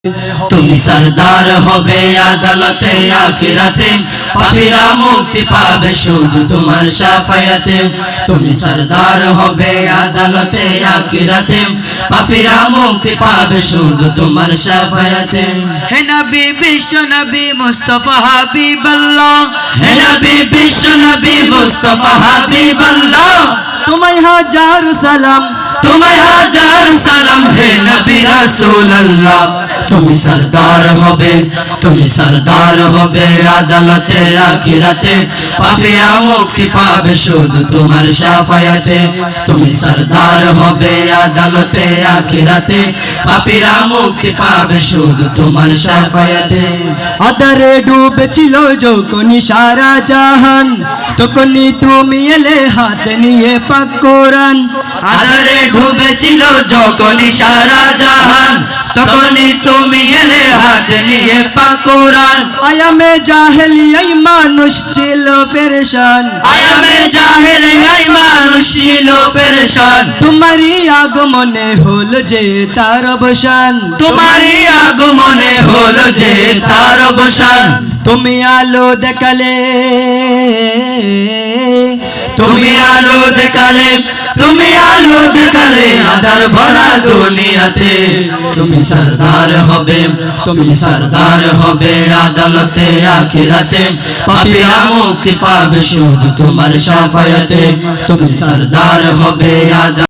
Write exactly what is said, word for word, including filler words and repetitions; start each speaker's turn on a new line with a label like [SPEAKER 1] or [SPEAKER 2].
[SPEAKER 1] তুমি সরদার হবে আদালতে আখিরাতে, পাপীরা মুক্তি পাবে শুধু তোমার শাফায়াতে। তুমি সরদার হবে আদালতে আখিরাতে, পাপীরা মুক্তি পাবে শুধু তোমার শাফায়াতে।
[SPEAKER 2] হে নবী বিশ্ব নবী মুস্তাফা হাবিবাল্লাহ,
[SPEAKER 1] হে নবী বিশ্ব নবী মুস্তাফা হাবিবাল্লাহ,
[SPEAKER 2] তোমায় হাজার সালাম,
[SPEAKER 1] তোমায় হাজার সালাম হে নবী রাসূলুল্লাহ। তুমি সরদার হবে, তুমি সরদার হবে আদালতে আখিরাতে, পাপীরা মুক্তি পাবে শুধু তোমার শাফায়াতে। তুমি সরদার হবে আদালতে আখিরাতে, পাপীরা মুক্তি পাবে শুধু তোমার শাফায়াতে।
[SPEAKER 2] আদারে ডুবেছিল যখন সারা জাহান, তখনই তুমি এলে হাত নিয়ে পাক কোরআন।
[SPEAKER 1] আদারে ডুবেছিল যখন সারা জাহান, তখনই তুমি এলে হাত নিয়ে পাক কোরআন।
[SPEAKER 2] আয়ামে জাহেলিয়ায় মানুষ ছিল পেরেশান,
[SPEAKER 1] আয়ামে জাহেলিয়ায় মানুষ ছিল পেরেশান।
[SPEAKER 2] তোমারই আগমনে হল যে তার অবসান,
[SPEAKER 1] তোমারই আগমনে হলো যে তার অবসান।
[SPEAKER 2] তুমি আলো দেখালে,
[SPEAKER 1] তুমি আলো দেখালে, তুমি আলো দেখালে আধার ভরা দুনিয়াতে। তুমি সরদার হবে, তুমি সরদার হবে আদালতে আখিরাতে, পাপীরা মুক্তি পাবে শুধু তোমার শাফায়াতে। তুমি সরদার হবে আদালতে